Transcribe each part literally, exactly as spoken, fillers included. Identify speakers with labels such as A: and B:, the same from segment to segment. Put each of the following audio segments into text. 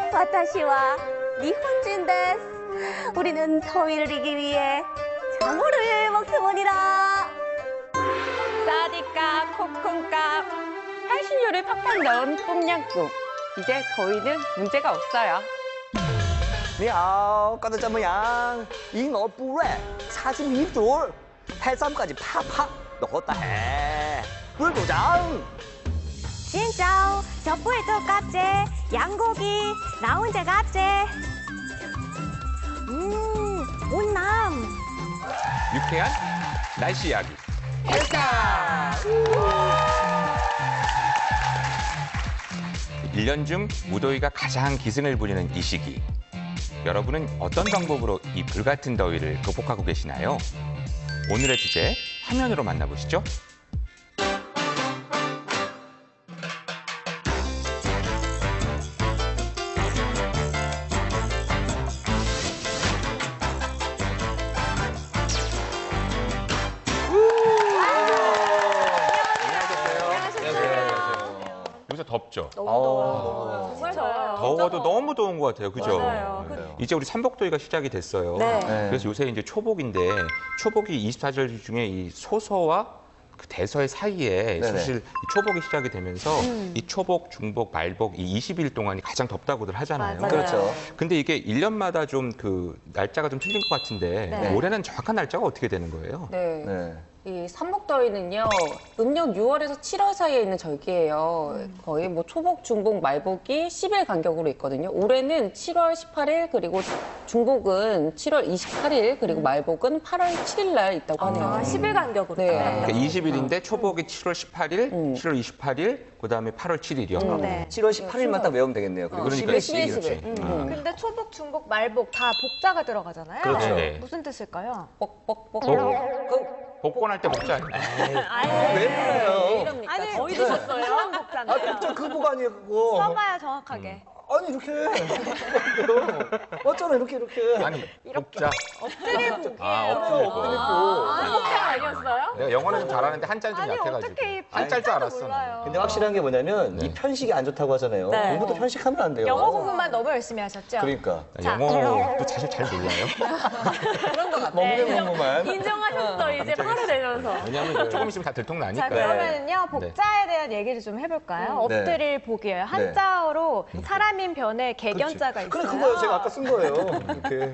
A: 와타시와 니혼진 데스. 우리는 더위를 이기기 위해 자모를 먹습니다.
B: 싸디값, 코쿤값, 향신료를 팍팍 넣은 똠양꿍. 이제 더위는 문제가 없어요.
C: 你好，覺得怎麼樣？以我不熱，差啲米肚，해삼까지 팍팍 넣었다 해. 물 도장.
A: 진짜 젓부에도 깝제, 양고기, 나 혼자 깝제. 음, 온남.
D: 유쾌한 날씨 이야기. 일 년 중 무더위가 가장 기승을 부리는 이 시기. 여러분은 어떤 방법으로 이 불같은 더위를 극복하고 계시나요? 오늘의 주제 화면으로 만나보시죠. 여기서 덥죠?
A: 너무 더워요. 정말 더워요.
D: 더워도 너무 더운 것 같아요, 그죠?
A: 맞아요.
D: 네. 이제 우리 삼복더위가 시작이 됐어요.
A: 네.
D: 그래서 요새 이제 초복인데 초복이 이십사 절 중에 이 소서와 그 대서의 사이에
C: 네네.
D: 사실 이 초복이 시작이 되면서
A: 음.
D: 이 초복, 중복, 말복 이 이십 일 동안이 가장 덥다고들 하잖아요.
A: 맞아요.
C: 그렇죠.
D: 근데 이게 일 년마다 좀 그 날짜가 좀 틀린 것 같은데
A: 네.
D: 올해는 정확한 날짜가 어떻게 되는 거예요?
B: 네.
C: 네.
B: 이 삼복더위는요, 음력 유월에서 칠월 사이에 있는 절기예요. 거의 뭐 초복, 중복, 말복이 십 일 간격으로 있거든요. 올해는 칠월 십팔일, 그리고 중복은 칠월 이십팔일, 그리고 말복은 팔월 칠일 날 있다고 하네요.
A: 아, 십 일 간격으로.
B: 네.
D: 그러니까 이십 일인데 초복이 칠월 십팔일,
B: 음.
D: 칠월 이십팔일, 그다음에 팔월 칠일이요.
B: 음.
A: 네.
C: 칠월 십팔일만 딱 외우면 되겠네요. 그리고
D: 그러니까
C: 십일,
B: 십일,
C: 십일.
B: 십일.
D: 음.
E: 근데 초복, 중복, 말복 다 복자가 들어가잖아요.
C: 그렇죠.
D: 네.
E: 무슨 뜻일까요?
B: 뻑뻑뻑.
D: 복권할 때 복자 아니에요?
C: 왜 그래요?
B: 이럽니까?
E: 아니,
B: 거의
E: 어디
B: 드셨어요?
E: 셨어요
C: 아,
E: 복자인데요.
C: 진짜 그거 아니에요, 그거.
E: 써봐야 정확하게.
C: 아니, 이렇게. 맞잖아, 이렇게, 이렇게.
D: 아니, 복자.
E: 엎드릴 복이에요.
D: 아, 엎드릴 복.
E: 아, 복자 아니었어요?
D: 내가 영어는 좀 잘하는데 한자는 좀
E: 아니,
D: 약해가지고.
E: 어떻게 이
D: 한자일 줄 알았어.
E: 몰라요.
D: 나는.
C: 근데 확실한 게 뭐냐면
D: 네.
C: 이 편식이 안 좋다고 하잖아요.
A: 네.
C: 공부도 편식하면 안 돼요.
E: 영어 공부만 너무 열심히 하셨죠?
C: 그러니까.
E: 자,
D: 영어도 사실 잘 몰라요.
B: 그런 것 같아.
C: 먹는 공부만.
E: 인정하셨어, 이제 바로 되면서.
D: 왜냐면 조금 있으면 다 들통나니까.
E: 자, 그러면은요, 복자에 대한 얘기를 좀 해볼까요?
C: 네.
E: 엎드릴 복이에요. 한자어로 사람인 변에 개견자가 있어요.
C: 그래, 그거요. 제가 아까 쓴 거예요. 이렇게.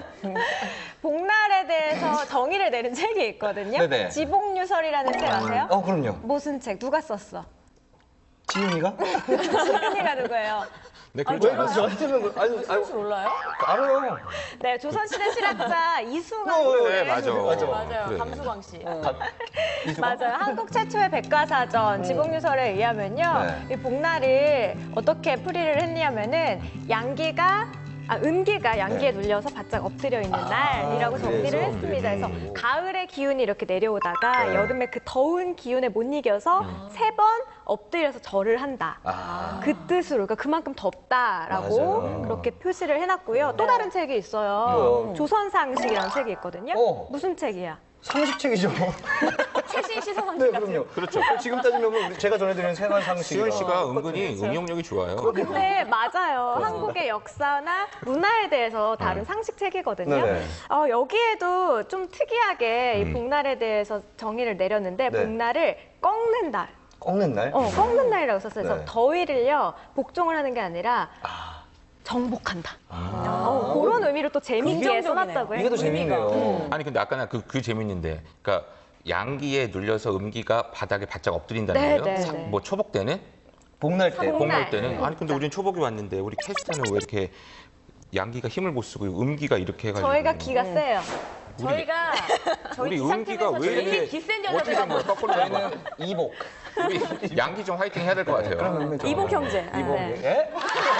E: 복날에 대해서 정의를 내린 책이 있거든요.
C: 네네.
E: 지복유설이라는 책 아세요?
C: 어, 그럼요.
E: 무슨 책? 누가 썼어?
C: 지윤이가?
E: 지은이가 누구예요?
D: 네,
E: 아,
D: 그렇죠.
C: 왜 그래서 저한테는 아니, 아니,
E: 혹시 몰라요?
C: 알아요.
E: 네, 조선시대 실학자 이수만
C: 어,
D: 그래,
E: 씨의
D: 맞아.
C: 맞아.
E: 맞아요.
D: 그래.
E: 감수광 씨.
C: 이수가?
E: 맞아요. 한국 최초의 백과사전 지복유설에 의하면요.
C: 네.
E: 이 복날을 어떻게 풀이를 했냐면은 양기가 아, 음기가 양기에 눌려서 바짝 엎드려 있는 날이라고 정리를
C: 그래서?
E: 했습니다. 그래서 가을의 기운이 이렇게 내려오다가
C: 네.
E: 여름에 그 더운 기운에 못 이겨서 세 번 엎드려서 절을 한다.
C: 아.
E: 그 뜻으로, 그러니까 그만큼 덥다라고
C: 맞아요.
E: 그렇게 표시를 해놨고요. 또 다른 책이 있어요.
C: 뭐요?
E: 조선상식이라는 책이 있거든요.
C: 어.
E: 무슨 책이야?
C: 상식책이죠.
E: 최신 시사상식
C: 네,
E: 같은.
C: 그럼요.
D: 그렇죠.
C: 지금 따지면 우리 제가 전해드리는 생활 상식.
D: 수현 씨가 은근히 응용력이 좋아요.
E: 근데 맞아요. 한국의 역사나 문화에 대해서 다른 상식책이거든요.
C: 네네.
E: 어, 여기에도 좀 특이하게 이
D: 음.
E: 복날에 대해서 정의를 내렸는데
C: 네.
E: 복날을 꺾는 날,
C: 꺾는 날?
E: 어, 꺾는 날이라고 썼어요. 그래서
C: 네.
E: 더위를요 복종을 하는 게 아니라 정복한다. 어, 그런 의미로 또 재미있게 써놨다고 해요.
C: 이게 더 재밌네요.
D: 아니 근데 아까 나 그 그 재밌는데, 그러니까 양기에 눌려서 음기가 바닥에 바짝 엎드린다는
E: 네,
D: 거예요.
E: 네,
D: 사-
E: 네.
D: 뭐 초복 때는?
C: 복날 때.
E: 복날.
D: 복날 때는? 아니 근데 우린 초복이 왔는데 우리 캐스터는 왜 이렇게 양기가 힘을 못 쓰고 음기가 이렇게 해가지고.
E: 저희가 기가 세요.
A: 저희가 저희
D: 우리
A: 기상팀에서
D: 음기가 왜
A: 제일
D: 이렇게
A: 기센
D: 어떻게 된 거야?
A: 여자들
D: 거꾸로 된 거야?
C: 저희는 이복.
D: 우리 양기 좀 화이팅 해야 될 것 같아요.
E: 이복 형제.
C: 이복.
E: 네.
C: 예?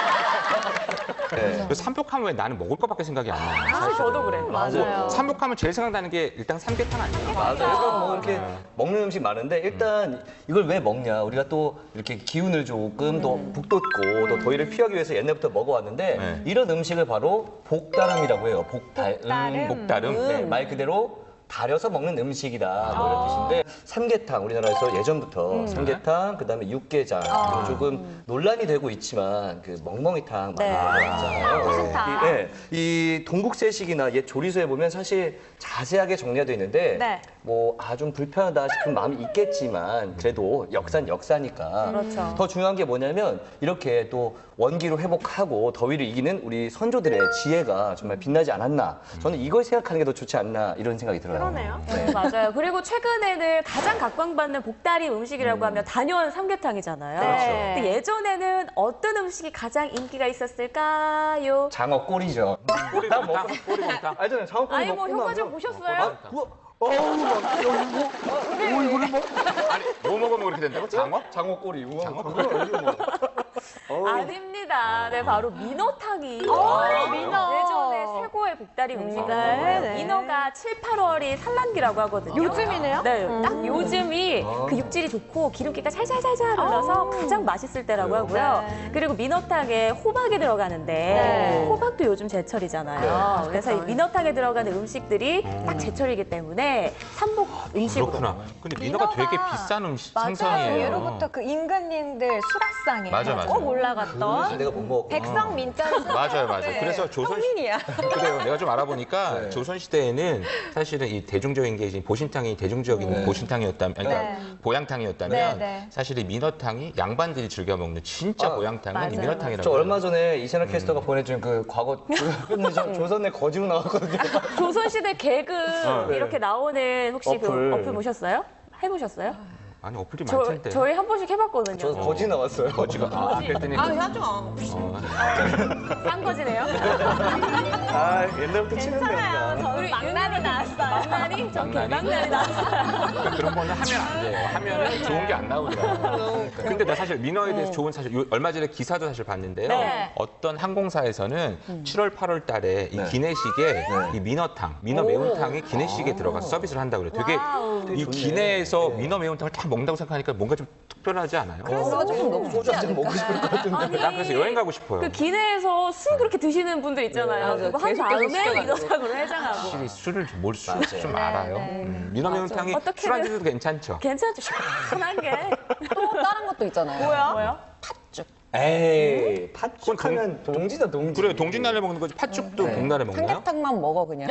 C: 네.
D: 그래서 삼복하면 왜 나는 먹을 것밖에 생각이 안 나요?
A: 사실 저도 그래.
E: 맞아요.
D: 삼복하면 제일 생각나는 게 일단 삼계탕 아니에요?
C: 맞아요. 그래서 뭐 이렇게 먹는 음식 많은데 일단 이걸 왜 먹냐? 우리가 또 이렇게 기운을 조금 더 북돋고 또 더위를 피하기 위해서 옛날부터 먹어왔는데
D: 네.
C: 이런 음식을 바로 복다름이라고 해요. 복달.
E: 복다름.
D: 복다름?
C: 네, 말 그대로 달여서 먹는 음식이다 뭐 이런 뜻인데 삼계탕 우리나라에서 예전부터 삼계탕 그다음에 육개장 그리고 조금 논란이 되고 있지만 그 멍멍이탕 많이
A: 네.
C: 먹잖아요. 이, 예, 이 동국세식이나 옛 조리서에 보면 사실 자세하게 정리가 돼 있는데
E: 네.
C: 뭐 아 좀 불편하다 싶은 마음이 있겠지만 그래도 역사는 역사니까
A: 그렇죠.
C: 더 중요한 게 뭐냐면 이렇게 또 원기로 회복하고 더위를 이기는 우리 선조들의 지혜가 정말 빛나지 않았나 저는 이걸 생각하는 게 더 좋지 않나 이런 생각이 들어요.
E: 그러네요.
A: 네, 맞아요. 그리고 최근에는 가장 각광받는 복다리 음식이라고 하면 단연 삼계탕이잖아요.
E: 네.
A: 근데 예전에는 어떤 음식이 가장 인기가 있었을까요?
C: 장어 꼬리죠.
D: 꼬리곰탕, 꼬리곰탕.
C: 알잖아요. 장어 꼬리
A: 아니 뭐
C: 먹고
A: 효과
C: 나면
A: 좀 보셨어요?
C: 아, 우와, 어우 막 이거 뭐, 어, 이거를 뭐
D: 아니, 뭐 먹으면 그렇게 된다고? 장어?
C: 장어 꼬리 우와.
D: 장어
C: 그거 이거 뭐. 어우.
A: 아닙니다. 네, 바로 민어탕이
E: 아, 민어.
A: 예전에 최고의 복다리 음식이었어요.
E: 네, 네.
A: 민어가 칠, 팔월이 산란기라고 하거든요.
E: 요즘이네요?
A: 네, 딱 요즘이 그 육질이 좋고 기름기가 살살살살 흘러서 가장 맛있을 때라고 하고요.
E: 네.
A: 그리고 민어탕에 호박이 들어가는데
E: 네.
A: 호박도 요즘 제철이잖아요. 그래서 이 민어탕에 들어가는 음식들이 딱 제철이기 때문에 삼복 음식으로.
D: 그렇구나. 근데 민어가 되게 비싼 음식 생선이에요.
E: 예로부터 그 임금님들 수라상에
D: 맞아, 맞아.
E: 꼭 올라갔던
C: 내가 못 먹었구나.
E: 백성 민자를
D: 맞아요, 맞아요.
E: 네.
D: 그래서 조선
E: 성민이야.
D: 그래요. 내가 좀 알아보니까
C: 네.
D: 조선 시대에는 사실은 이 대중적인 게 이제 보신탕이 대중적인
C: 네.
D: 보신탕이었다면, 그러니까
E: 네.
D: 보양탕이었다면
E: 네, 네.
D: 사실 이 민어탕이 양반들이 즐겨 먹는 진짜
C: 아,
D: 보양탕은 이
E: 맞아요.
D: 민어탕이라고.
C: 저
D: 해요.
C: 얼마 전에 이채널 캐스터가 보내준 그 과거 끝내죠. 조선의 거지로 나왔거든요.
A: 조선시대 개그 이렇게 나오는 혹시
C: 어플.
A: 그 어플 보셨어요? 해보셨어요?
D: 아니 어플이
A: 저,
D: 많을 텐데.
A: 저희 한 번씩 해봤거든요.
C: 저 거지 나왔어요.
D: 거지가 아, 그랬더니
B: 아, 하죠.
D: 어,
A: 싼 거지네요.
C: 아 옛날부터 치는
E: 괜찮아요. 저는 망나니 나왔어요.
A: 망나니? 저
D: 망나니?
A: 개망나니 나왔어요.
D: 그러니까 그런 거는 하면 안 돼요. 하면은 좋은 게 안 나오더라고요. 근데 나 사실 민어에 대해서 좋은 사실 요- 얼마 전에 기사도 사실 봤는데요.
A: 네.
D: 어떤 항공사에서는 칠월, 팔월 달에 이
C: 네.
D: 기내식에 이 민어탕, 민어 매운탕이 기내식에 들어가서 서비스를 한다고 그래요. 되게
A: 와우.
D: 이
C: 좋네.
D: 기내에서
C: 네.
D: 민어 매운탕을 딱 먹는다고 생각하니까 뭔가 좀 특별하지 않아요?
B: 그래서 조금 너무
C: 소주 한잔 먹고 싶을 것 같은데.
A: 아니,
D: 나 그래서 여행 가고 싶어요.
A: 그 기내에서 술 그렇게 드시는 분들 있잖아요.
B: 네,
A: 그거 한
B: 계속
A: 다음에
B: 계속 시켜가지고.
A: 민어탕으로 해장하고.
D: 확실히 술을 좀 몰수
C: 맞아요.
D: 좀 알아요. 음, 민어 매운탕이
A: 어떻게든-
D: 술 안주도 괜찮죠.
A: 괜찮죠? 시원한 게.
B: 또 다른 것도 있잖아요.
E: 뭐야?
A: 뭐요?
C: 에이 팥죽하면 동지다 동지.
D: 그래 동짓날에 먹는 거지 팥죽도
C: 네.
D: 복날에 먹나요?
B: 삼계탕만 먹어 그냥.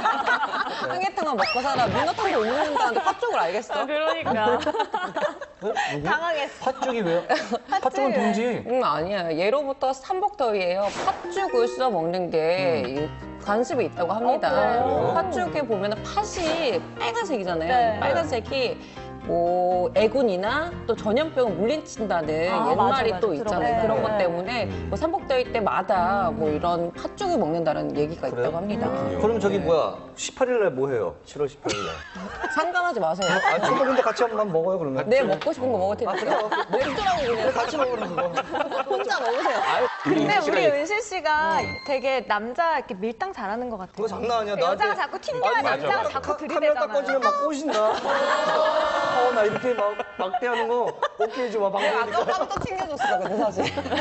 B: 삼계탕만 먹고 살아. 민어탕도 못 먹는다는데 팥죽을 알겠어?
A: 그러니까.
E: 당황했어.
C: 팥죽이 왜요? 팥죽은 동지.
B: 음, 아니야. 예로부터 삼복더위에요. 팥죽을 써 먹는 게 이 관습이 있다고 합니다.
A: 그래요?
B: 팥죽에 보면 팥이 빨간색이잖아요.
E: 네.
B: 이 빨간색이 뭐 애군이나 또 전염병을 물리친다는
A: 아,
B: 옛말이
A: 맞아, 맞아.
B: 또 있잖아요.
A: 들어봤어요.
B: 그런 것
A: 네.
B: 때문에
D: 음.
B: 뭐 삼복더위 때마다 뭐 이런 팥죽을 먹는다는 얘기가
C: 그래요?
B: 있다고 합니다.
C: 그럼 저기 뭐야 십팔 일날 뭐 해요? 칠월 십팔 일날.
B: 상관하지 마세요.
C: 아 저도 근데 같이 한번 먹어요 그러면.
B: 내 먹고 싶은 거 먹을 테니까. 먹더라고 그냥.
C: 같이 먹으면 그거.
B: 혼자 먹으세요.
E: 근데
D: 은실
E: 우리
D: 씨가
E: 은실 씨가 되게 남자 이렇게 밀당 잘하는 것 같아요.
C: 그거 장난 아니야.
E: 여자가
C: 나한테-
E: 자꾸 튕겨야
C: 아니,
E: 남자가
D: 맞아.
E: 자꾸
C: 카- 카메라 딱 꺼지면
E: 들이대잖아요.
C: 막 꼬신다. 어, 나 이렇게 막 막대하는 거 오케이 좋아. 방송이니까.
B: 아까부터 또 챙겨줬어, 근데 사실.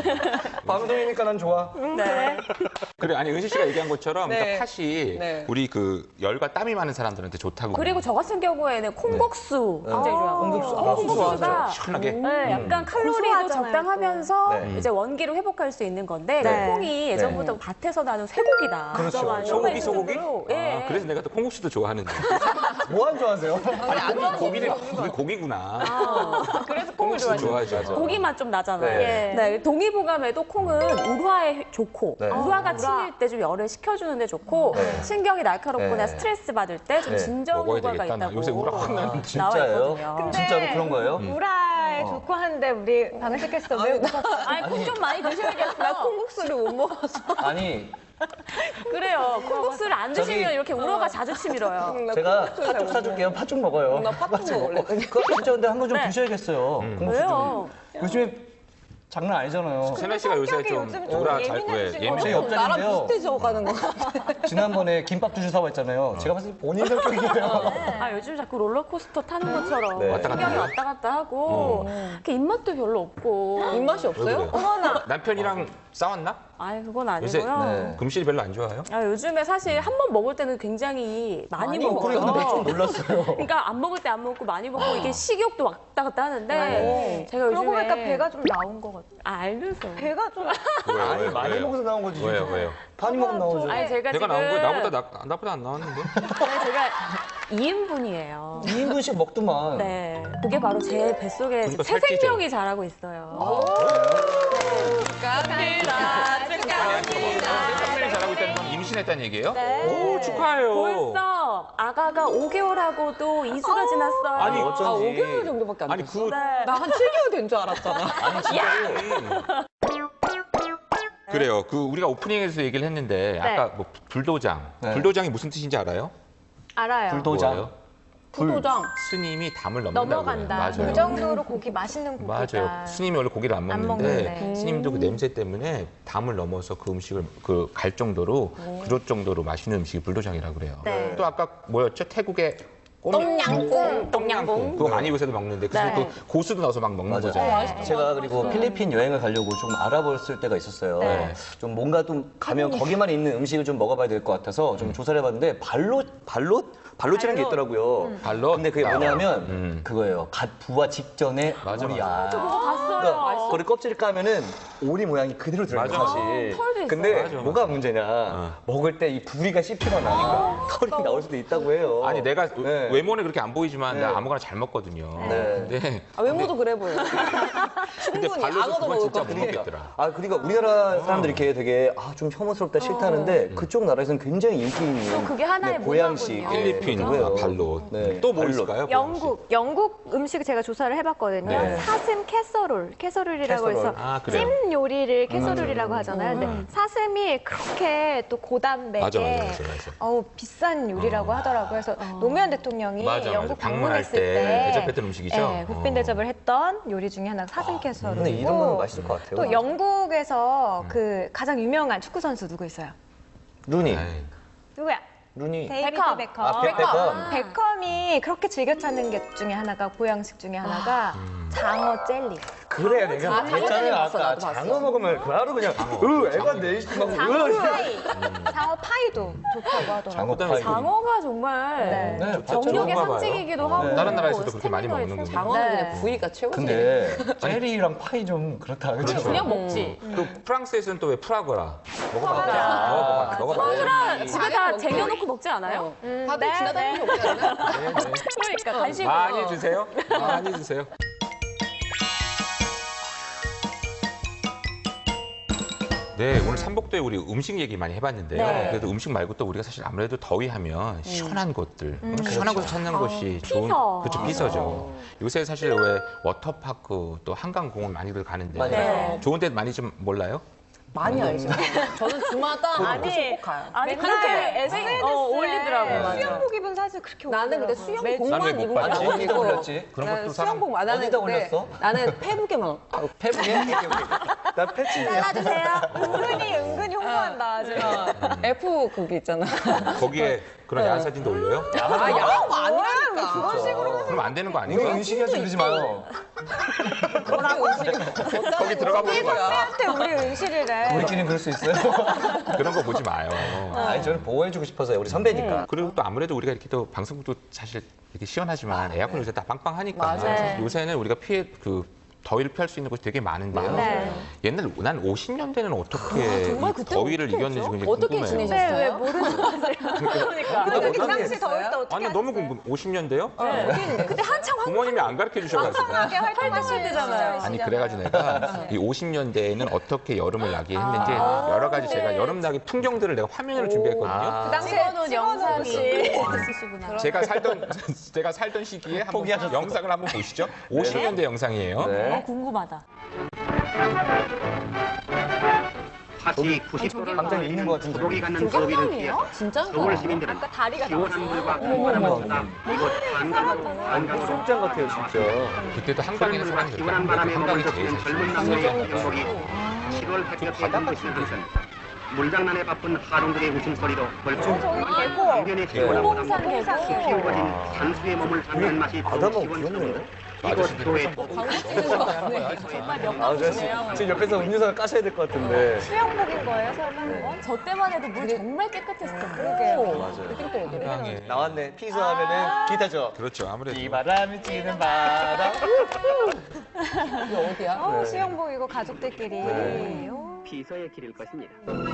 C: 방송이니까 난 좋아.
A: 네.
D: 그래 아니 은실 씨가 얘기한 것처럼
B: 네.
D: 그러니까 팥이
B: 네.
D: 우리 그 열과 땀이 많은 사람들한테 좋다고.
A: 그리고 저 같은 경우에는 콩국수 굉장히 좋아하고.
C: 콩국수. 아,
A: 콩국수가
D: 시원하게.
A: 네, 약간 칼로리도
E: 고소하잖아요,
A: 적당하면서
C: 네.
A: 이제 원기를 회복할 수 있는 건데
E: 네.
A: 콩이 예전부터 밭에서 나는 쇠고기다.
C: 그렇죠.
A: 정말
D: 소고기 소고기?
A: 정말로, 예.
D: 아, 그래서 내가 또 콩국수도 좋아하는데.
C: 뭐 안 좋아하세요?
D: 아니 고기는 고기, 고기구나.
A: 그래서 콩을
D: 콩국수
A: 좋아하죠.
D: 좋아하죠.
A: 고기만 좀 나잖아요.
C: 네.
A: 네. 동의보감에도 콩은 울화에 좋고
C: 네.
A: 울화가
E: 아,
A: 치밀 때 좀 열을 식혀주는 데 좋고
C: 네.
A: 신경이 날카롭거나
C: 네.
A: 스트레스 받을 때 좀
C: 네.
A: 진정
D: 먹어야
A: 효과가
D: 되겠다. 나
A: 있다고
D: 요새 울화 확 나는데.
A: 나와
C: 진짜예요?
A: 있거든요.
E: 근데
C: 진짜로 그런 거예요?
E: 우라에
C: 어.
E: 좋고 하는데 우리 방식 캐스터 왜 웃었어?
A: 아니 콩 좀 많이 드셔야겠어.
B: 나 콩국수를 못 먹어서.
C: 아니
A: 그래요. 콩국수를 안 드시면
C: 저기-
A: 이렇게 울어가 자주 치밀어요.
C: 제가 팥죽 사줄게요. 팥죽 먹어요.
B: 나 팥죽 먹을래.
C: 그거 진짜 근데 한 번 좀
A: 네.
C: 드셔야겠어요. 콩국수
A: 왜요?
C: 좀. 요즘에 장난 아니잖아요.
D: 세나 씨가 요새
E: 성격이
D: 좀
E: 요즘 좀
D: 울화 잘 왜
E: 예민해지신 거
C: 갑자기
D: 예민해요.
C: 옆자리인데요.
B: 나랑 비슷해져 가는 거 같아.
C: 지난번에 김밥 두 줄 사왔잖아요. 제가 봤을 때 본인 성격이에요.
A: 아 요즘 자꾸 롤러코스터 타는 것처럼
C: 네.
D: 왔다 갔다
A: 신경이
D: 해요?
A: 왔다 갔다 하고 이렇게 입맛도 별로 없고
B: 입맛이
D: 왜
B: 없어요?
D: 그래?
E: 어머나.
D: 남편이랑 싸웠나?
A: 아니 그건
D: 요새
A: 아니고요.
C: 네.
D: 금실이 별로 안 좋아요?
A: 아, 요즘에 사실 한 번 먹을 때는 굉장히 많이,
B: 많이
A: 먹어요.
C: 그래, 근데 좀 놀랐어요.
A: 그러니까 안 먹을 때 안 먹고 많이 먹고 이게 식욕도 왔다 갔다 하는데 제가 요즘에
E: 그러고 보니까 배가 좀 나온 것 같아요.
A: 아, 알면서
E: 배가 좀
D: 왜요?
C: 아니,
D: 왜요?
C: 많이
D: 왜요?
C: 먹어서 나온 거지.
D: 왜요? 왜요?
C: 많이 먹으면 나오죠.
A: 아니 제가
D: 내가
A: 지금
D: 나온 거 나보다 나, 나보다 안 나왔는데?
A: 아니, 제가 이 인분이에요.
C: 이 인분씩 먹더만.
A: 네, 그게 바로 제 뱃속에
D: 그러니까
A: 새
D: 살찌죠.
A: 생명이 자라고 있어요.
D: 생명이 자라고 있다는 건 임신했다는 얘기예요?
A: 네.
D: 오, 축하해요.
A: 벌써 아가가 오 개월하고도 이 주가 지났어요.
D: 아니,
B: 아,
C: 어쩐지.
B: 오 개월 정도밖에 안
D: 아니,
B: 됐어.
D: 그,
A: 네.
B: 나 한 칠 개월 된 줄 알았잖아.
C: 아니, 진짜로.
D: 그래요. 그 우리가 오프닝에서 얘기를 했는데 아까 뭐 불도장.
C: 네.
D: 불도장이 무슨 뜻인지 알아요?
E: 알아요.
C: 불도장.
D: 뭐예요?
B: 불도장.
D: 스님이 담을 넘는다고요.
E: 넘어간다.
D: 맞아요.
E: 그 정도로 고기 맛있는 고기다.
D: 맞아요. 스님이 원래 고기를 안
E: 안
D: 먹는데,
E: 먹는데.
D: 스님도 그 냄새 때문에 담을 넘어서 그 음식을 그 갈 정도로 그럴 정도로 맛있는 음식이 불도장이라고 그래요.
E: 네.
D: 또 아까 뭐였죠? 태국의 꼼-
B: 똠양꿍.
D: 똠양꿍. 그거 많이 요새도 먹는데 그래서
A: 네.
D: 그 고수도 넣어서 막 먹는
C: 맞아요.
D: 거잖아요.
C: 제가 그리고 필리핀 여행을 가려고 좀 알아봤을 때가 있었어요.
A: 네.
C: 좀 뭔가 좀 가면 거기만 있는 음식을 좀 먹어봐야 될 것 같아서 좀 조사를 해봤는데 발롯 발롯 발롯이라는 게 있더라고요.
D: 발롯?
C: 근데 그게 뭐냐면
D: 음.
C: 그거예요. 갓 부화 직전에
D: 맞아,
C: 오리야.
D: 맞아.
A: 그거 봤어요.
C: 그러니까 그거를 껍질을 까면은 오리 모양이 그대로 들어요
D: 맞아.
C: 사실.
A: 털도 있어요.
C: 근데
D: 맞아, 맞아.
C: 뭐가 문제냐?
D: 어.
C: 먹을 때 이 부리가 씹히거나 털이 나올 수도 있다고 해요.
D: 아니 내가
C: 네.
D: 외모는 그렇게 안 보이지만
C: 네.
D: 나 아무거나 잘 먹거든요.
C: 네.
D: 근데
B: 아, 외모도 그래 보여.
D: 근데
B: 충분히
D: 발로도
B: 악어도
D: 그건
B: 먹을
D: 진짜
B: 것
D: 못
B: 같아.
D: 먹겠더라.
C: 아 그러니까 우리나라 사람들이 이렇게 되게 아 좀 혐오스럽다 싫다는데 그쪽 나라에서는 굉장히 인기 있는
A: 또 그게 하나의
C: 네, 보양식
A: 문화군요.
D: 필리핀
C: 그거예요.
D: 아, 발로.
C: 네,
D: 또 뭐
C: 발로.
D: 있을까요?
E: 영국, 영국 음식 제가 조사를 해봤거든요.
C: 네.
E: 사슴 캐서롤, 캐서롤이라고
C: 캐서롤.
E: 해서
D: 아, 그래요?
E: 찜 요리를 캐서롤이라고 하잖아요. 근데
D: 음.
E: 사슴이 그렇게 또 고단백에
D: 맞아, 맞아, 맞아, 맞아.
E: 어우, 비싼 요리라고
D: 어.
E: 하더라고요. 그래서 노무현 대통령이
D: 맞아, 맞아.
E: 영국
D: 방문할
E: 방문했을
D: 때
E: 때
D: 대접했던 음식이죠?
E: 네, 국빈
D: 어.
E: 대접을 했던 요리 중에 하나가 사슴 캐서롤이고
C: 근데 이름은 맛있을 것 같아요.
E: 또 영국에서
D: 음.
E: 그 가장 유명한 축구 선수 누구 있어요?
C: 루니
D: 아이,
E: 누구야?
C: 루니
E: 데이비드
A: 베컴.
E: 베컴.
C: 아, 백- 베컴.
E: 베컴이 그렇게 즐겨 찾는 게 중에 하나가 보양식 중에 하나가
D: 음.
E: 장어 젤리.
C: 그래 내가
B: 장어
C: 했잖아요
B: 젤리 봤어,
C: 아까
B: 나도 봤어.
C: 장어 먹으면 바로 그냥 으 애가 내시고
E: 장어 파이. 장어 파이도 좋다고 하더라고요.
C: 장어
D: 그다음에
C: 파이
A: 장어가 정말
E: 네.
C: 네,
A: 정력의
D: 좋은가 봐요.
A: 상징이기도
D: 어,
A: 하고
D: 다른 나라에서도 그렇게 많이
A: 스태미너에
D: 먹는군요.
A: 최고.
B: 장어는
E: 네.
B: 그냥 부위가 최고지.
C: 근데 젤리랑 파이 좀 그렇다 그렇죠?
A: 그냥 먹지.
D: 또 프랑스에서는 또 왜 프라그라 먹어봤죠?
A: 아.
D: 먹어봐, 먹어봐.
A: 프라 집에 다
B: 먹기.
A: 쟁여놓고 먹지 않아요?
B: 어.
E: 음,
B: 다들
E: 네,
B: 지나다니는
E: 네.
B: 게 없지 않나?
A: 그러니까 간식으로.
D: 많이 주세요. 많이 주세요. 네, 오늘 삼복도에 우리 음식 얘기 많이 해봤는데요.
A: 네.
D: 그래도 음식 말고 또 우리가 사실 아무래도 더위하면 시원한 곳들,
A: 음.
D: 시원한 곳을 찾는 곳이 좋은,
A: 피서.
D: 그렇죠, 피서죠. 요새 사실 왜 워터파크 또 한강공원 많이들 가는데
C: 맞아요.
A: 네.
D: 좋은 데 많이 좀 몰라요?
B: 많이 알죠. 저는 주마다
A: 아니,
B: 꼭 가요.
A: 아니
E: 맨날
A: 그렇게
E: 에스엔에스에
A: 어, 올리더라고요. 맞아.
E: 수영복 입은 사진 그렇게
B: 나는 근데
E: 올리더라고요.
B: 수영복만
D: 난왜 못
B: 입은
D: 봤지?
B: 건
C: 어디다
B: 아니고
C: 올렸지?
D: 그런
B: 나는
D: 것도 사람
B: 수영복 안
C: 어디다
B: 하는데
C: 올렸어?
B: 나는 페북에만
C: 페북에? 나 패치냐?
E: 잘라주세요. 은근히 은근히 홍보한다 지금.
B: F 그게 있잖아.
D: 거기에 그런 야한 사진도 올려요?
B: 아 야한 거 아니라니까.
C: 그런 식으로
D: 그럼 안 되는 거
C: 우리
D: 아닌가?
C: 은식이한테 그러지 마요.
D: 거기 들어가 보는 거야.
E: 한테 우리 은실이래.
C: 우리끼리는 그럴 수 있어요?
D: 그런 거 보지 마요.
C: 아니 저는 보호해주고 싶어서요. 우리 선배니까.
D: 그리고 또 아무래도 우리가 이렇게 또 방송국도 사실 이렇게 시원하지만 에어컨 요새 다 빵빵하니까
B: 맞아요.
D: 요새는 우리가 피해 그 더위를 피할 수 있는 곳이 되게 많은데요.
E: 네.
D: 옛날 난 오십 년대는 어떻게
B: 정말
D: 이
B: 그때
D: 더위를
B: 어떻게
D: 이겼는지
B: 했죠?
D: 굉장히
B: 어떻게
D: 궁금해요.
B: 지내셨어요?
E: 네, 왜 모르는 거 하세요?
A: 그러니까.
E: 근데 그
C: 어떤
E: 당시
C: 게
E: 더울 때 어떻게
D: 아니 너무 궁금. 오십 년대요?
E: 하세요? 그때 한창
D: 부모님이 안 가르쳐 주셔가지고.
E: 활발하게 활동하실 때잖아요.
D: 아니 그래가지고 내가 이 오십 년대에는 어떻게 여름을 나게 했는지 여러 가지 제가 여름 나기 풍경들을 내가 화면으로 준비했거든요.
C: 아.
E: 그 당시에
A: 찍어놓은 영상이 있으시구나.
D: 제가 살던 제가 살던 시기에 한번
C: 포기하셨어.
D: 영상을 한번 보시죠. 오십 년대 영상이에요.
A: 어,
C: 네.
A: 궁금하다.
F: 파티 구십 도를
C: 당장 있는 것 같은데.
F: 소독이 갖는 더위를 피해서
B: 진짜?
F: 서울 시민들은
E: 아까 다리가
F: 시원한 물과
C: 어머,
F: 바람을
C: 어머.
F: 쏟아 이곳 한강으로
C: 아니
F: 한강으로
C: 수영장 같아요 진짜.
D: 그때도 한강에서
F: 썰물과
D: 사람들
F: 시원한 바람에
D: 한강이
F: 머물러
D: 제일
F: 피는
D: 잘
F: 젊은
D: 쓰는
F: 남녀의
D: 거죠.
F: 행복이 칠월 햇볕에
C: 바다
F: 눈부시는
C: 같은데.
F: 것은 물장난에 바쁜 하동들의 웃음소리로 벌써
E: 계곡.
F: 강변의 시원한 바람과
E: 계곡.
F: 숲이 우거진 산수의 몸을 담는 맛이
C: 바다
F: 더욱
C: 너무
F: 시원스러운데
C: 귀엽네.
F: 이곳 교회
C: 아, 저 지금 옆에서 음료수를 까셔야 될 것 같은데.
E: 수영복인 거예요, 설마? 그건?
A: 저 때만 해도 물 정말 깨끗했을 텐데.
B: 그러게요.
D: 한강에
C: 나왔네. 피서 하면은 기타죠.
D: 그렇죠. 아무래도
C: 이 바람이 찌는 바람.
B: 이게 어디야?
E: 어, 수영복이고 가족들끼리. 오.
F: 피서의 길일 것입니다.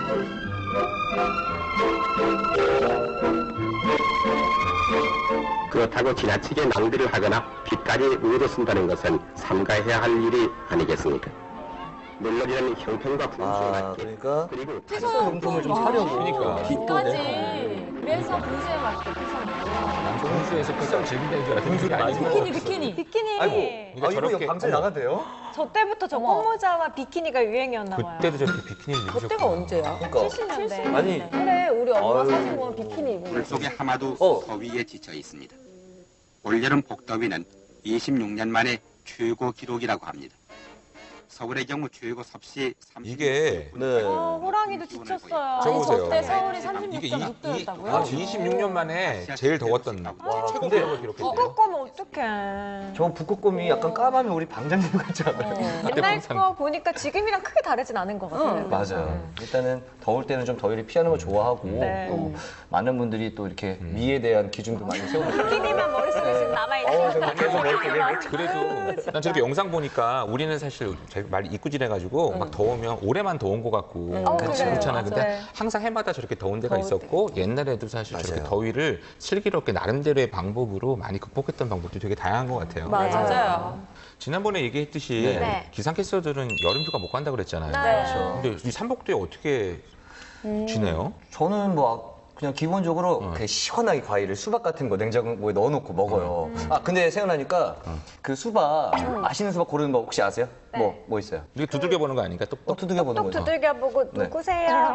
G: 그렇다고 지나치게 낭비를 하거나 빚까지 의로 쓴다는 것은 삼가해야 할 일이 아니겠습니까? 물론이라는 형편과 분수에
C: 아,
G: 맞게
C: 그러니까
G: 그리고
C: 용품을 좀 사려고.
D: 그러니까.
A: 까지. 그래서 분수에 맞게
D: 남성분수에서 패션 즐긴다는 줄 알았더니 그게 아니고.
A: 비키니 비키니.
E: 비키니.
C: 아이고.
D: 이거
C: 아, 이거
D: 저렇게-
C: 방송
D: 어머.
C: 나가도 돼요?
E: 저 때부터 저 꽃모자와 비키니가 유행이었나 봐요.
D: 그때도 저렇게 비키니를 입으셨고.
B: 그때가 언제야?
C: 그러니까.
E: 칠십 년대.
C: 아니,
B: 그래, 우리 엄마
C: 아유.
B: 사진 보면 비키니 입은 거.
G: 물속의 하마도
C: 어.
G: 더위에 지쳐 있습니다. 올여름 복더위는 이십육 년 만에 최고 기록이라고 합니다. 서울의 경우 최고 섭씨
D: 이게
C: 네.
E: 어, 호랑이도 지쳤어요.
D: 저 보세요.
A: 저때 서울이
D: 이게
A: 삼십육 점 육 도였다고요?
D: 아, 이십육 년 만에 제일 더웠던
C: 와,
D: 최고
C: 근데
D: 기록을 기록했대요.
E: 북극곰은 어떡해.
C: 저 북극곰이 약간 까마면 우리 방장님 같지 않아요?
E: 옛날
D: 항상-
E: 거 보니까 지금이랑 크게 다르진 않은 것 같아요.
C: 맞아요. 일단은 더울 때는 좀 더위를 피하는 걸 좋아하고
E: 네.
C: 또 많은 분들이 또 이렇게 미에 대한 기준도 많이 세우고
E: 비키니만 머릿속에 지금 남아있는.
C: 어, 저 계속 머릿속에
D: 그래도 난 저렇게 영상 보니까 우리는 사실 제가 많이 이꾸질해가지고 막 더우면 올해만 더운 것 같고
E: 어,
D: 그렇지
E: 그래요.
D: 그렇잖아요. 근데
E: 맞아요.
D: 항상 해마다 저렇게 더운 데가 있었고 옛날에도 사실 저렇게
C: 맞아요.
D: 더위를 슬기롭게 나름대로의 방법으로 많이 극복했던 방법도 되게 다양한 것 같아요.
A: 맞아요.
D: 지난번에 얘기했듯이
E: 네.
D: 기상캐스터들은 여름휴가 못 간다 그랬잖아요.
E: 네.
D: 근데 이 삼복도에 어떻게 지내요?
C: 저는 뭐 그냥 기본적으로 그냥 시원하게 과일을 수박 같은 거 냉장고에 넣어놓고 먹어요. 아 근데 생각나니까 그 수박 맛있는 수박 고르는 법 혹시 아세요? 뭐 뭐 있어요?
D: 이게 두들겨 보는 거 아닌가?
C: 또
D: 똑똑.
C: 두들겨 보는
E: 똑
C: 거죠.
E: 두들겨보고
C: 네.
E: 누구세요?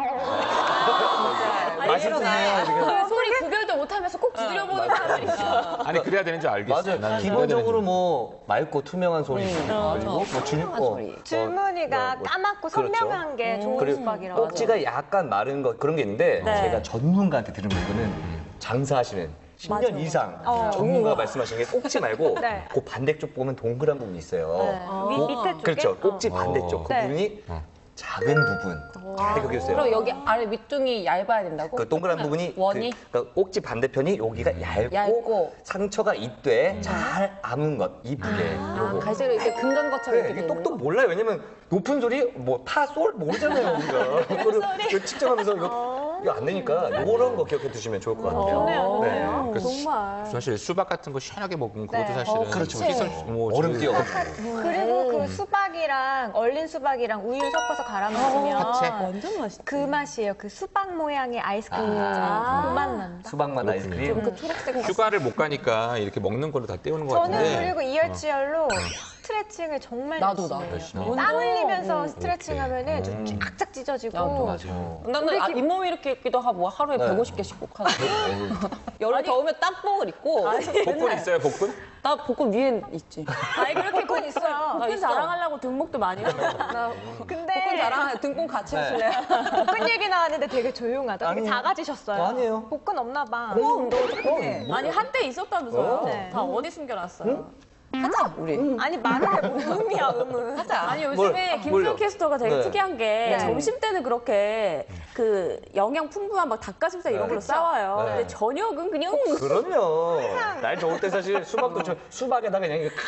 C: 맛있네요.
A: 그 소리 구별도 못하면서 꼭 두드려보는 사람들이 있어.
D: 아니 그래야 되는 줄 알겠어.
C: 맞아요.
D: 나는
C: 기본적으로 뭐 맑고 투명한 소리 그리고 뭐 줄, 어,
E: 줄무늬가
C: 뭐, 뭐,
E: 까맣고
C: 그렇죠.
E: 선명한 게 좋은
C: 그리고
E: 수박이라고.
C: 꼭지가 약간 마른 거 그런 게 있는데
A: 네.
C: 제가 전문가한테 들은 거는 장사하시는 십 년
A: 맞아요.
C: 이상
E: 어.
C: 전문가가 말씀하시는 게 꼭지 말고
E: 네.
C: 그 반대쪽 보면 동그란 부분이 있어요.
E: 네. 위- 밑에 쪽에?
C: 그렇죠. 꼭지
E: 어.
C: 반대쪽 그
E: 네.
C: 부분이
D: 어.
C: 작은 부분. 잘 기억해주세요.
B: 그럼 여기 아래 밑둥이 얇아야 된다고?
C: 그 동그란 부분이
B: 원이?
C: 그, 그러니까 꼭지 반대편이 여기가 얇고,
B: 얇고.
C: 상처가 있되 잘 아문 것 이쁘게 요거.
B: 갈색으로 이렇게 금간 것처럼
C: 그래,
B: 이렇게
C: 이게
B: 되는
C: 똑똑 몰라요. 왜냐면 높은 소리 뭐 파, 솔 모르잖아요 우리가. 그거를 이거 측정하면서 이거 이거 안 되니까 이런 거 기억해 두시면 좋을 것 같아요.
E: 좋네요,
C: 네.
E: 좋네요.
D: 그
A: 정말.
D: 사실 수박 같은 거 시원하게 먹으면 그것도
E: 네.
D: 사실은
C: 어, 그렇죠.
D: 시설 뭐
C: 얼음
D: 저기-
C: 띄어.
E: 그리고 그 수박이랑 얼린 수박이랑 우유 섞어서 갈아 먹으면
D: 파채?
E: 완전 맛있. 그 맛이에요. 그 수박 모양의 아이스크림.
A: 아.
E: 그 맛 난다.
C: 수박맛 아이스크림.
E: 그 초록색.
D: 휴가를 못 가니까 이렇게 먹는 걸로 다 때우는 것
E: 저는
D: 같은데.
E: 그리고 이열치열로 스트레칭을 정말
B: 나도,
E: 열심히
B: 나도.
E: 해요.
D: 열심히.
E: 땀 흘리면서
B: 음,
E: 스트레칭 하면은 좀 쫙쫙 찢어지고.
B: 나도.
C: 맞아요.
B: 나는 아, 잇몸 이렇게 입기도 하고 하루에
C: 네.
B: 백오십 개씩 꼭 하는데 여름 더우면 땀뽕을 입고
D: 복근 있어요, 복근?
B: 나 복근 위에 있지.
A: 아니 그렇게 건 있어요. 복근
B: 있어.
A: 자랑하려고 등목도 많이 하고.
B: 나
E: 근데
B: 복근 자랑 등뽕 같이
C: 네.
B: 하실래요?
E: 복근 얘기 나왔는데 되게 조용하다. 되게
C: 아니에요.
E: 작아지셨어요.
C: 아니에요.
E: 복근 없나 봐.
B: 코 운동을 조금 해.
A: 아니 한때 있었다면서요.
E: 네.
A: 다 어디 숨겨놨어요.
B: 하자 우리.
E: 아니 말을 해보면 음이야 음은.
B: 하자.
A: 아니 요즘에
C: 뭘,
A: 김수영
C: 뭘요?
A: 캐스터가 되게
C: 네.
A: 특이한 게
E: 네.
A: 점심 때는 그렇게 그 영양 풍부한 막 닭가슴살 이런
C: 네.
A: 걸로
E: 그쵸?
A: 싸워요.
C: 네.
A: 근데 저녁은 그냥
C: 그럼요. 날 좋을 때 사실 수박도 저 수박에다가 그냥 이렇게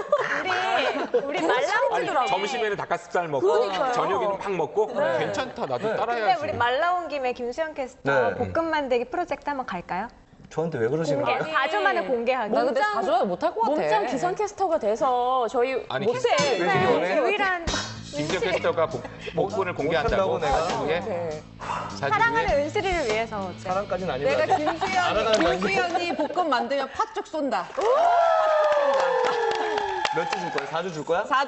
E: 우리 우리
D: 아니,
E: 말라온
D: 점심에는 닭가슴살 먹고
A: 그러니까요.
D: 저녁에는 팍 먹고 괜찮다. 나도
E: 근데
D: 따라해야지.
E: 우리 말라온 김에 김수영 캐스터
C: 네.
E: 볶음 만들기 프로젝트 한번 갈까요?
C: 저한테 왜 그러시는
E: 공개.
C: 거예요?
E: 사 주 만에 공개하기.
B: 나 근데
A: 몸짱-
B: 자주 하면 못할 것 같아.
A: 몸짱 기상캐스터가 돼서 저희
D: 아니,
A: 못해.
D: 김-
C: 왜 이렇게 원해?
E: 유일한
D: 김수영 캐스터가 복- 복근을 공개한다고.
C: 못한다고 내가?
D: 사주에
B: 네.
D: 사주에
E: 사랑하는 은슬이를 위해서 어때?
C: 사람까지는 아니고.
B: 내가 김수현이
C: 알아가는 거 아니고.
B: 김수현이 볶음 만들면 팥죽 쏜다.
C: 몇 주 줄 거야? 사 주 줄 거야?
B: 사 주.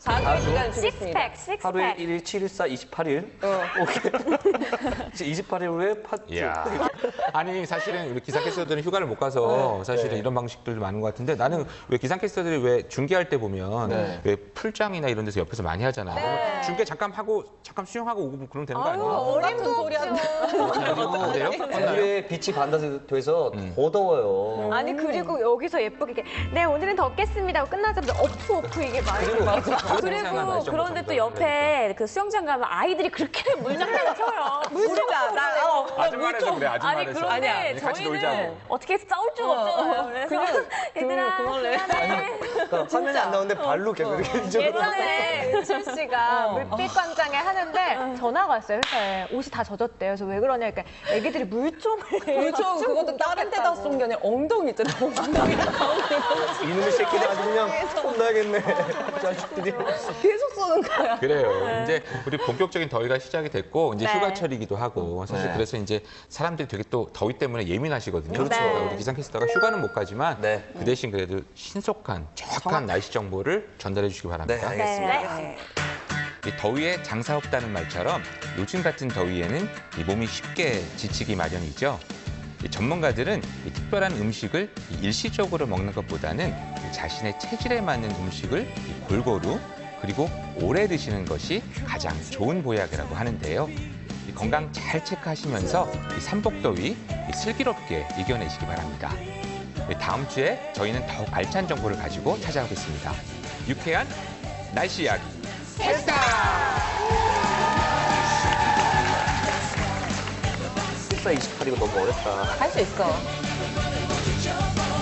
B: 사주의 시간을 주겠습니다.
E: 식스팩, 식스팩.
C: 하루에 일 일, 칠 일, 사, 이십팔 일. 오케이. 이십팔 일 후에 팥죽.
D: 이야. 아니 사실은 우리 기상캐스터들은 휴가를 못 가서 사실은
C: 네.
D: 이런 방식들도 많은 것 같은데 나는 왜 기상캐스터들이 왜 중계할 때 보면
C: 네.
D: 왜 풀장이나 이런 데서 옆에서 많이 하잖아요. 그러면 중계 잠깐 하고 잠깐 수영하고 오고 그러면 되는 거 아니에요?
B: 같은 소리 한다.
D: 아, 그래요?
C: 오늘의 빛이 반사돼서
D: 음.
C: 더 더워요.
E: 아니 그리고 여기서 예쁘게 이렇게 네 오늘은 덥겠습니다 하고 끝나자마자 어프 어프 이게 많이
A: 그리고 그런데 또 옆에 그 수영장 가면 아이들이 그렇게 물장난을 쳐요. 물장난. 어.
D: 아줌마라서 그래
A: 아니
D: 아줌마라서.
A: 그런데
D: 아니야. 같이
A: 저희는
D: 놀자고.
A: 어떻게 싸울 수가 없잖아요. 그래서
B: 그냥
A: 얘들아
B: 그- 그걸로 해.
A: 미안해.
C: 그러니까 화면이 안 나오는데 발로 계속 이렇게 이쪽으로.
E: 예전에 은실 씨가 물빛 관장에 하는데 전화가 왔어요 회사에 옷이 다 젖었대요. 그래서 왜 그러냐 그러니까 애기들이 물총을
B: 그렇죠. 그것도 다른 데다 쏜 게 아니라 엉덩이 있잖아요. 엉덩이
C: 이놈의 새끼들 아주 그냥 혼나겠네. 자식들이.
B: 계속 쏘는 거야.
D: 그래요. 이제 우리 본격적인 더위가 시작이 됐고 이제
A: 네.
D: 휴가철이기도 하고 사실
C: 네.
D: 그래서 이제 사람들이 되게 또 더위 때문에 예민하시거든요.
C: 그렇죠.
D: 그러니까 우리 기상캐스터가 휴가는 못 가지만
C: 네.
D: 그 대신 그래도 신속한 정확한 날씨 정보를 전달해 주시기
C: 네,
D: 바랍니다.
C: 알겠습니다.
A: 네.
D: 이 더위에 장사 없다는 말처럼 요즘 같은 더위에는 이 몸이 쉽게 지치기 마련이죠. 이 전문가들은 이 특별한 음식을 이 일시적으로 먹는 것보다는 이 자신의 체질에 맞는 음식을 이 골고루 그리고 오래 드시는 것이 가장 좋은 보약이라고 하는데요. 이 건강 잘 체크하시면서 이 삼복더위 이 슬기롭게 이겨내시기 바랍니다. 이 다음 주에 저희는 더욱 알찬 정보를 가지고 찾아오겠습니다. 유쾌한 날씨 이야기.
C: 십사, 이십팔 이고 너무 어렵다.
B: 할 수 있어.